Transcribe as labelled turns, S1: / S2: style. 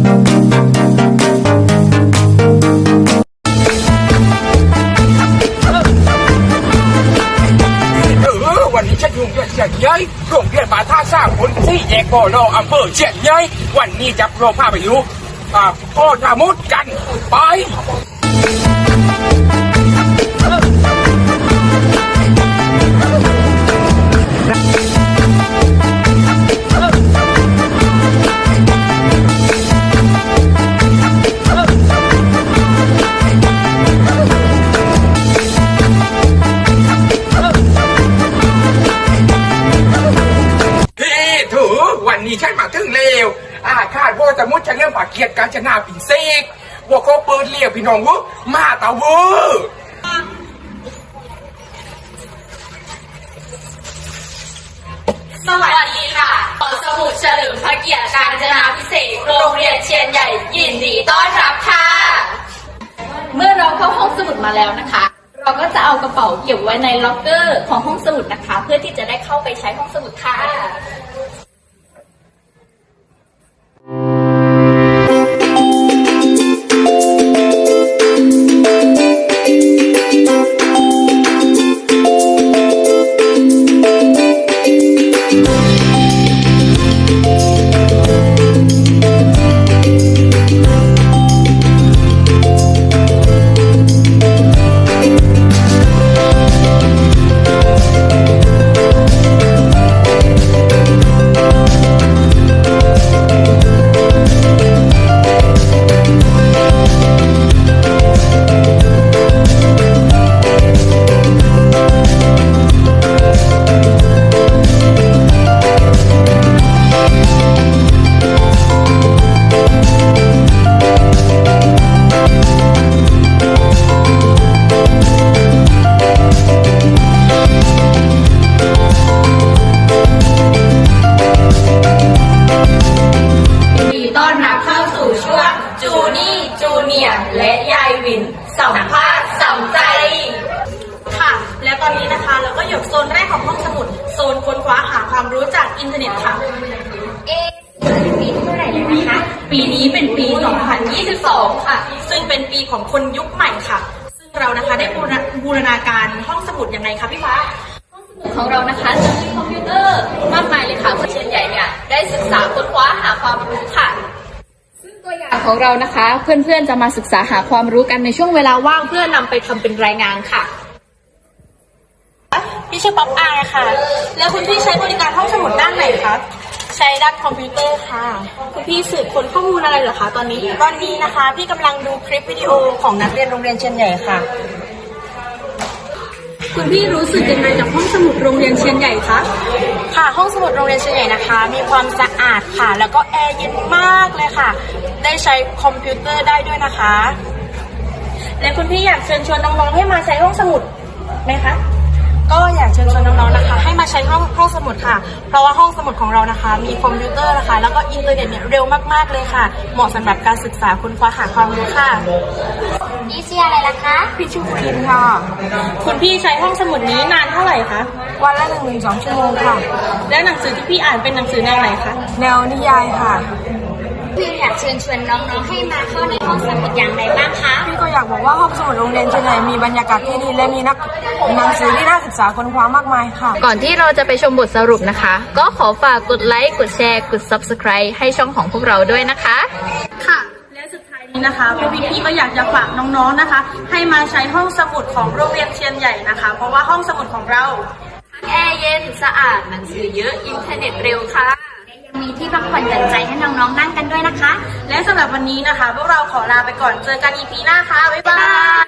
S1: วันนี้ฉันอยู่เชียงใหญ่โรงเรียนบาท่าสร้างคนที่แยกบ่อรออำเภอเชียงใหญ่วันนี้จะโปรพาไปดูพ่อนามุดกันไปวันนี้ฉันมาถึงเร็วคาดว่าจะมุดจะเรื่องปากเกียรติการชนะปิ่นเซกว่าเขาเปิดเรียกพี่น้องวุมาตาเวอ
S2: สวัสดีค่ะขอสมุดเฉลิมพระเกียรติการจนาพิเศษโรงเรียนเชียนใหญ่ยินดีต้อนรับค่ะเมื่อเราเข้าห้องสมุดมาแล้วนะคะเราก็จะเอากระเป๋าเก็บไว้ในล็อกเกอร์ของห้องสมุดนะคะเพื่อที่จะได้เข้าไปใช้ห้องสมุดค่ะและยายวินสัมภาษณ์สัมใจ
S3: ค่ะและตอนนี้นะคะเราก็อยู่โซนแรกของห้องสมุดโซนค้นคว้าหาความรู้จากอินเทอร์เน็ตค่ะ
S2: ปีเท่าไหร่แล้วนะคะ
S3: ปีนี้เป็นปี 2022 ค่ะซึ่งเป็นปีของคนยุคใหม่ค่ะซึ่งเรานะคะได้บูรณาการห้องสมุดยังไงคะพี่ฟ้า
S2: ห้องสมุดของเรานะคะจะมีคอมพิวเตอร์มากมายเลยค่ะเพื่อเชียนใหญ่เนี่ยได้ศึกษาค้นคว้าหาความรู้ค่ะตัวอย่างของเรานะคะเพื่อนๆจะมาศึกษาหาความรู้กันในช่วงเวลาว่างเพื่อนำไปทำเป็นรายงานค่ะ
S3: พี่ชื่อป๊อปอายค่ะแล้วคุณพี่ใช้บริการห้องสมุดด้านไหนคะใช้ด้านคอมพิวเตอร์ค่ะคุณพี่สืบค้นข้อมูลอะไรเหรอคะตอนนี้นะคะพี่กำลังดูคลิปวิดีโอของนักเรียนโรงเรียนเชียนใหญ่ค่ะ
S2: คุณพี่รู้สึกยังไงกับห้องสมุดโรงเรียนเชียนใหญ่คะ
S3: ค่ะห้องสมุดโรงเรียนเชียนใหญ่นะคะมีความสะอาดค่ะแล้วก็แอร์เย็นมากเลยค่ะได้ใช้คอมพิวเตอร์ได้ด้วยนะคะและคุณพี่อยากเชิญชวนน้องๆให้มาใช้ห้องสมุดไหมคะก็อยากเชิญชวนน้องๆนะคะให้มาใช้ห้องสมุดค่ะเพราะว่าห้องสมุดของเรานะคะมีคอมพิวเตอร์นะคะแล้วก็อินเทอร์เน็ตเนี่ยเร็วมากๆเลยค่ะเหมาะสำหรับการศึกษาค้นคว้าหาความรู้ค่ะ
S2: พี่ชื่ออะไรล่ะคะ
S3: พี่ชื่อคุณลินค่ะคุณพี่ใช้ห้องสมุดนี้นานเท่าไหร่คะวันละ1-2 ชั่วโมงค่ะและหนังสือที่พี่อ่านเป็นหนังสือแนวไหนคะแนวนิยายค่ะ
S2: พี่อยากเชิญชวนน้องๆให้มาเข้าในห้องสมุดอย่างไรบ้างคะ
S3: พี่ก็อยากบอกว่าห้องสมุดโรงเรียนเชียงใหม่มีบรรยากาศที่ดีและมีหนังสือที่น่าศึกษาค้นคว้ามากมายค่ะ
S2: ก่อนที่เราจะไปชมบทสรุปนะคะก็ขอฝากกดไลค์กดแชร์กด Subscribe ให้ช่องของพวกเราด้วยนะคะ
S3: ค่ะและสุดท้ายนี้นะคะพวกพี่ๆก็อยากจะฝากน้องๆนะคะให้มาใช้ห้องสมุดของโรงเรียนเชียนใหญ่นะคะเพราะว่าห้องสมุดของเรา
S2: แอร์เย็นสะอาดหนังสือเยอะอินเทอร์เน็ตเร็วค่ะมีที่พักผ่อนหย่อนใจให้น้องๆนั่งกันด้วยนะคะ
S3: และสำหรับวันนี้นะคะพวกเราขอลาไปก่อนเจอกัน EP หน้าค่ะบ๊ายบาย